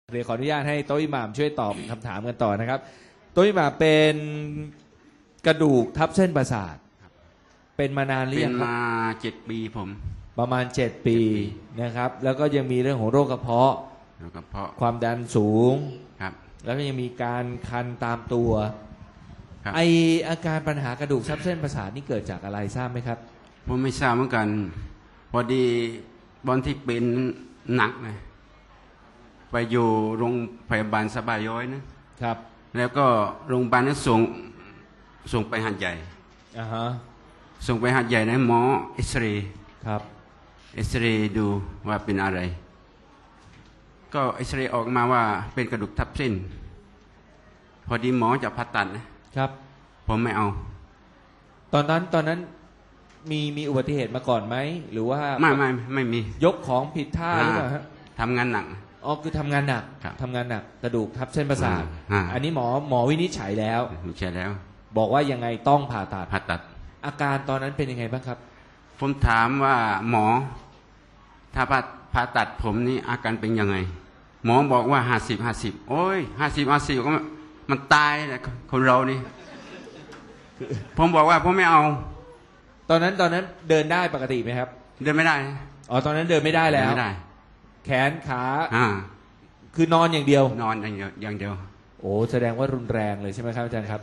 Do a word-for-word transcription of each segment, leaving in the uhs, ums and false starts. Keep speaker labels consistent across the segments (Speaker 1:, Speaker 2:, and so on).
Speaker 1: เดี๋ยวขออนุญาตให้โต๊ะอิหม่ามช่วยตอบคำถามกันต่อนะครับโต๊ะอิหม่ามเป็นกระดูกทับเส้นประสาทเป็นมานานหรือยังครับ
Speaker 2: เป็นมาเจ็ดปีผม
Speaker 1: ประมาณเจ็ดปีนะครับแล้วก็ยังมีเรื่องของโรคกระเพาะ
Speaker 2: โรคกระเพาะ
Speaker 1: ความดันสูง
Speaker 2: ครับ
Speaker 1: แล้วก็ยังมีการคันตามตัวไออาการปัญหากระดูกทับเส้นประสาทนี่เกิดจากอะไรทราบไหมครับ
Speaker 2: ผมไม่ทราบเหมือนกันพอดีบอนที่เป็นหนักนะไปอยู่โรงพยาบาลสบายย้อยนะครับแล้วก็โรงพยาบาลนั้นส่งส่งไปหัดใหญ่
Speaker 1: อ่าฮะ
Speaker 2: ส่งไปหัดใหญ่นะหมอเอ็กซเรย์
Speaker 1: ครับ
Speaker 2: เอ็กซเรย์ดูว่าเป็นอะไรก็เอ็กซเรย์ออกมาว่าเป็นกระดูกทับเส้นพอดีหมอจะผ่าตัดนะครับผมไม่เอา
Speaker 1: ตอนนั้นตอนนั้นมีมีอุบัติเหตุมาก่อนไหมหรือว่า
Speaker 2: ไม่ไม่ไม่มี
Speaker 1: ยกของผิดท่าหรือเปล่าฮะ
Speaker 2: ทำงานหนัก
Speaker 1: อ๋อคือทำงานหนักทำงานหนักกระดูกทับเส้นประสาทอันนี้หมอหมอวินิจฉัยแล้ว
Speaker 2: วินิจฉัยแล้ว
Speaker 1: บอกว่ายังไงต้องผ่าตัด
Speaker 2: ผ่าตัด
Speaker 1: อาการตอนนั้นเป็นยังไงบ้างครับ
Speaker 2: ผมถามว่าหมอถ้าผ่าผ่าตัดผมนี่อาการเป็นยังไงหมอบอกว่าห้าสิบห้าสิบโอ้ยห้าสิบห้าสิบก็มันตายแหละคนเรานี่ผมบอกว่าผมไม่เอา
Speaker 1: ตอนนั้นตอนนั้นเดินได้ปกติไหมครับ
Speaker 2: เดินไม่ได้
Speaker 1: อ๋อตอนนั้นเดินไม่ได้แล้ว
Speaker 2: ไม่ได้
Speaker 1: แขนขาอ่าคือนอนอย่างเดียวน
Speaker 2: อนอย่างเดียวอย่างเดียว
Speaker 1: โอ้แสดงว่ารุนแรงเลยใช่ไหมครับอาจารย์ครับ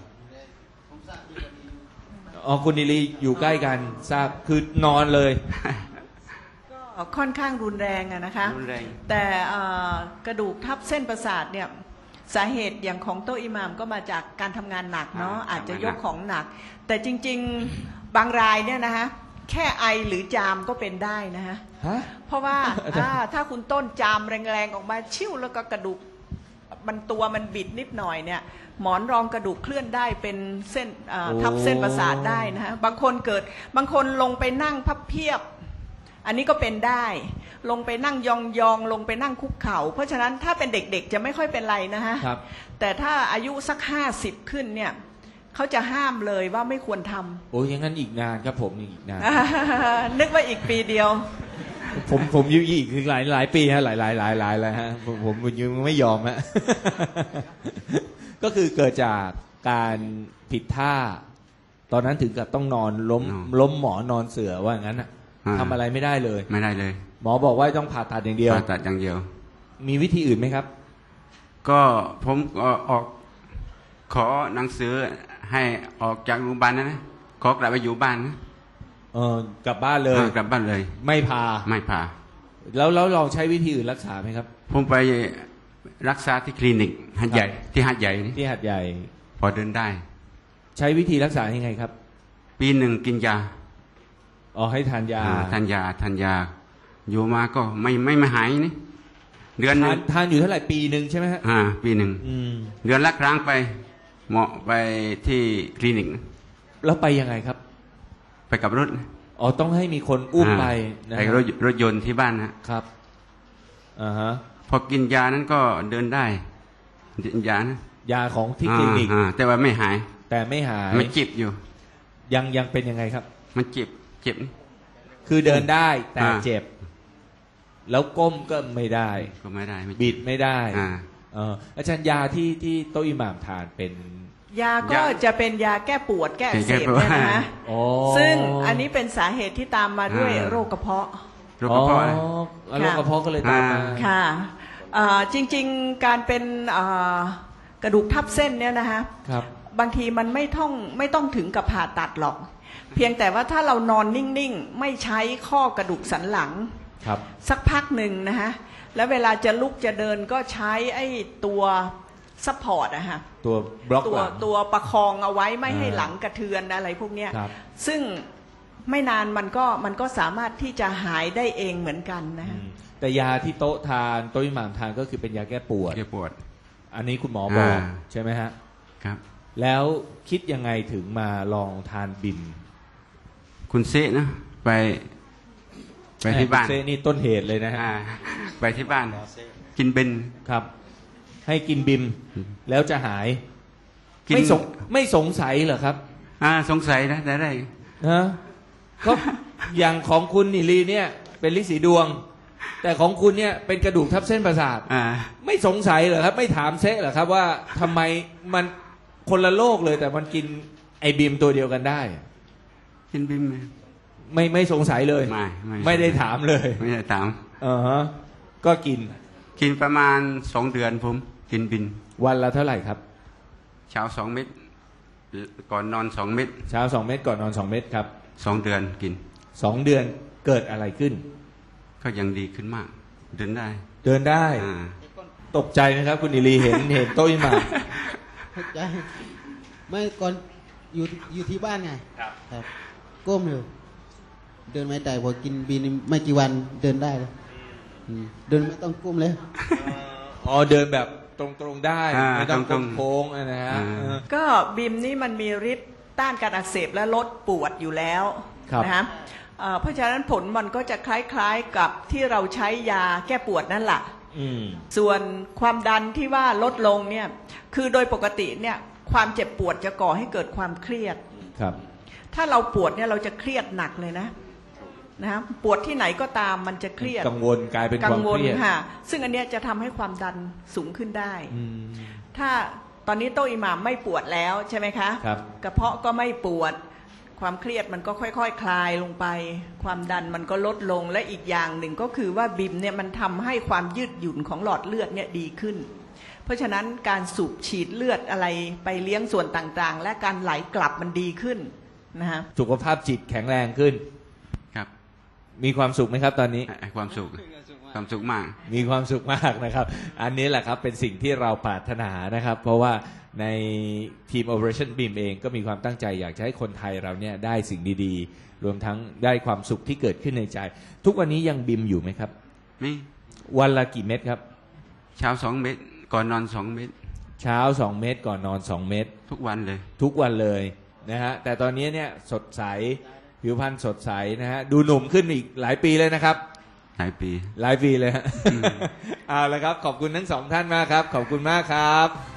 Speaker 1: อ๋อคุณนิลีอยู่ใกล้กันทราบคือนอนเลย
Speaker 3: ก็ค่อนข้างรุนแรงอะนะคะแต่กระดูกทับเส้นประสาทเนี่ยสาเหตุอย่างของโต๊ะอิหม่ามก็มาจากการทำงานหนักเนาะอาจจะยกของหนักแต่จริงๆบางรายเนี่ยนะคะแค่ไอหรือจามก็เป็นได้นะฮะเพราะว่าถ้าคุณต้นจามแรงๆออกมาชิ่วแล้วก็กระดูกมันตัวมันบิดนิดหน่อยเนี่ยหมอนรองกระดูกเคลื่อนได้เป็นเส้นทับเส้นประสาทได้นะฮะบางคนเกิดบางคนลงไปนั่งพับเพียบอันนี้ก็เป็นได้ลงไปนั่งยองๆลงไปนั่งคุกเข่าเพราะฉะนั้นถ้าเป็นเด็กๆจะไม่ค่อยเป็นไรนะฮะแต่ถ้าอายุสักห้าสิบขึ้นเนี่ยเขาจะห้ามเลยว่าไม่ควรทำ
Speaker 1: โอ้ยอย่างนั้นอีกนานครับผมอีกนาน
Speaker 3: นึกว่าอีกปีเดียว
Speaker 1: ผมผมยุ่ยอีกคือหลายหลายปีฮะหลายหลายหลายหลายแล้วฮะผมผมยังไม่ยอมฮะก็คือเกิดจากการผิดท่าตอนนั้นถึงกับต้องนอนล้มล้มหมอนอนเสื่อว่าอย่างนั้นอ่ะทำอะไรไม่ได้เลย
Speaker 2: ไม่ได้เลย
Speaker 1: หมอบอกว่าต้องผ่าตัดอย่างเดียว
Speaker 2: ผ่าตัดอย่างเดียว
Speaker 1: มีวิธีอื่นไหมครับ
Speaker 2: ก็ผมออกขอหนังสือให้ออกจากโรงพยาบาลนะนะขอกลับไปอยู่บ้านนะ
Speaker 1: เออกลับบ้านเลย
Speaker 2: กลับบ้านเลย
Speaker 1: ไม่พา
Speaker 2: ไม่พา
Speaker 1: แล้วแล้วลองใช้วิธีอื่นรักษาไหมครับ
Speaker 2: ผมไปรักษาที่คลินิกหัดใหญ่ที่หัดใหญ่นี่
Speaker 1: ที่หัดใหญ่
Speaker 2: พอเดินได้
Speaker 1: ใช้วิธีรักษายังไงครับ
Speaker 2: ปีหนึ่งกินยา
Speaker 1: อ๋อให้ทานยา
Speaker 2: ทานยาทานยาอยู่มาก็ไม่ไม่ไม่หายนี่เดือนนึง
Speaker 1: ทานอยู่เท่าไหร่ปีหนึ่งใช่ไหมฮะ
Speaker 2: อ่าปีหนึ่งเดือนละครั้งไปเหมาะไปที่คลินิก
Speaker 1: แล้วไปยังไงครับ
Speaker 2: ไปกับรถ
Speaker 1: อ๋อต้องให้มีคนอุ้มไป
Speaker 2: นะรถรถยนต์ที่บ้านนะครับ
Speaker 1: อ่าฮะ
Speaker 2: พอกินยานั้นก็เดินได้ยานะ
Speaker 1: ยาของที่คลินิก
Speaker 2: แต่ว่าไม่หาย
Speaker 1: แต่ไม่หาย
Speaker 2: มันเจ็บอยู่
Speaker 1: ยังยังเป็นยังไงครับ
Speaker 2: มันเจ็บเจ็บ
Speaker 1: คือเดินได้แต่เจ็บแล้วก้มก็ไม่ได้
Speaker 2: ก็ไม่ได้
Speaker 1: บิดไม่ได้อ่าอาจารย์ยาที่ที่โต๊ะอิหม่ามทานเป็น
Speaker 3: ยาก็จะเป็นยาแก้ปวดแก้อักเสบเนี่ยนะซึ่งอันนี้เป็นสาเหตุที่ตามมาด้วยโรคกระเพาะ
Speaker 2: โรคกระเพาะ
Speaker 1: โรคกระเพาะก็เลยตามมา
Speaker 3: ค่ะจริงๆการเป็นกระดูกทับเส้นเนี่ยนะคะบางทีมันไม่ต้องไม่ต้องถึงกับผ่าตัดหรอกเพียงแต่ว่าถ้าเรานอนนิ่งๆไม่ใช้ข้อกระดูกสันหลังสักพักหนึ่งนะฮะแล้วเวลาจะลุกจะเดินก็ใช้ไอ้ตัวซัพพอร์ตอะฮะ
Speaker 1: ตัวบล็อก
Speaker 3: ตัวตัวประคองเอาไว้ไม่ให้หลังกระเทือนอะไรพวกเนี้ยซึ่งไม่นานมันก็มันก็สามารถที่จะหายได้เองเหมือนกันนะฮะ
Speaker 1: แต่ยาที่โต๊ะทานโต๊ะอิหม่ามทานก็คือเป็นยาแก้ปวด
Speaker 2: แก้ปวด
Speaker 1: อันนี้คุณหมอบอกใช่ไหมฮะ
Speaker 2: ครับ
Speaker 1: แล้วคิดยังไงถึงมาลองทานบิม
Speaker 2: คุณเซนะไปไปที่บ้าน
Speaker 1: เซนี่ต้นเหตุเลยนะฮะ
Speaker 2: ไปที่บ้านกินเบน
Speaker 1: ครับให้กินบิมแล้วจะหายไม่สงไม่สงสัยเหรอครับ
Speaker 2: อ่าสงสัยนะได้ได้
Speaker 1: ฮะก็อย่างของคุณนิลีเนี่ยเป็นฤทธิ์สีดวงแต่ของคุณเนี่ยเป็นกระดูกทับเส้นประสาท
Speaker 2: อ่า
Speaker 1: ไม่สงสัยเหรอครับ ไม่ถามเซะเหรอครับว่าทำไมมันคนละโลกเลย แต่มันกินไอบีมตัวเดียวกันได้
Speaker 2: กินบิมไหม
Speaker 1: ไม่ไม่สงสัยเลย
Speaker 2: ไม่ไม่
Speaker 1: ไม่ได้ถามเลย
Speaker 2: ไม่ได้ถาม
Speaker 1: อ่าฮะก็กิน
Speaker 2: กินประมาณสองเดือนผมกินบิน
Speaker 1: วันละเท่าไหร่ครับ
Speaker 2: เช้าสองเม็ดก่อนนอนสองเม็ด
Speaker 1: เช้าสองเม็ดก่อนนอนสองเม็ดครับ
Speaker 2: สองเดือนกิน
Speaker 1: สองเดือนเกิดอะไรขึ้น
Speaker 2: ก็ยังดีขึ้นมาก เดินได้
Speaker 1: เดินได้
Speaker 2: อ่า
Speaker 1: ตกใจไหมครับ คุณอิลีเห็นเห็นโต๊ะอิหม่าม
Speaker 4: เข้าใจไม่ก่อนอยู่อยู่ที่บ้านไงครับครับก้มอยู่เดินไม่ได้พอกินบีนไม่กี่วันเดินได้เลยอืมเดินไม่ต้องก้มเลย
Speaker 1: อ๋อเดินแบบตรงๆได้
Speaker 2: อ่า
Speaker 1: ไม่ต้อง
Speaker 2: ตรงๆ
Speaker 1: โค้งๆนะฮะ
Speaker 2: อ่า
Speaker 1: เออ
Speaker 3: ก็บิมนี่มันมีฤทธิ์ต้านการอักเสบและลดปวดอยู่แล้ว
Speaker 1: ครับ
Speaker 3: นะฮะเอ่อเพราะฉะนั้นผลมันก็จะคล้ายๆกับที่เราใช้ยาแก้ปวดนั่นแหละ
Speaker 1: อืม
Speaker 3: ส่วนความดันที่ว่าลดลงเนี่ยคือโดยปกติเนี่ยความเจ็บปวดจะก่อให้เกิดความเครียด
Speaker 1: ครับ
Speaker 3: ถ้าเราปวดเนี่ยเราจะเครียดหนักเลยนะนะฮะปวดที่ไหนก็ตามมันจะเครียด
Speaker 1: กังวลกลายเป็นค
Speaker 3: กั
Speaker 1: วาม
Speaker 3: ว
Speaker 1: เค
Speaker 3: ล
Speaker 1: รียด
Speaker 3: ค่ะซึ่งอันเนี้ยจะทำให้ความดันสูงขึ้นได้
Speaker 1: อืม
Speaker 3: ถ้าตอนนี้โต๊ะอิหม่ามไม่ปวดแล้วใช่ไหมคะ
Speaker 1: ครับ
Speaker 3: กระเพาะก็ไม่ปวด ความเครียดมันก็ค่อยๆคคลายลงไป ความดันมันก็ลดลงและอีกอย่างหนึ่งก็คือว่าบิมเนี่ยมันทำให้ความยืดหยุ่นของหลอดเลือดเนี่ยดีขึ้น เพราะฉะนั้นการสูบฉีดเลือดอะไรไปเลี้ยงส่วนต่างๆ และการไหลกลับมันดีขึ้นนะฮะ
Speaker 1: สุขภาพจิตแข็งแรงขึ้น
Speaker 2: ครับ
Speaker 1: มีความสุขไหมครับตอนนี้
Speaker 2: ไอ้ความสุขความสุขมาก
Speaker 1: มีความสุขมากนะครับ อันนี้แหละครับเป็นสิ่งที่เราปรารถนานะครับ เพราะว่าในทีม Operationบี อี เอ็ม เองก็มีความตั้งใจอยากจะให้คนไทยเราเนี่ยได้สิ่งดีๆ รวมทั้งได้ความสุขที่เกิดขึ้นในใจ ทุกวันนี้ยังบิมอยู่ไหมครับ
Speaker 2: นี่
Speaker 1: วันละกี่เม็ดครับ
Speaker 2: เช้าสองเม็ดก่อนนอนสองเม็ด
Speaker 1: เช้าสองเม็ดก่อนนอนสองเม็ด
Speaker 2: ทุกวันเลย
Speaker 1: ทุกวันเลยนะฮะแต่ตอนนี้เนี่ยสดใสผิวพรรณสดใสนะฮะดูหนุ่มขึ้นอีกหลายปีเลยนะครับ
Speaker 2: หลายปี
Speaker 1: หลายปีเลยฮะเอาละครับขอบคุณทั้งสองท่านมากครับ ขอบคุณมากครับ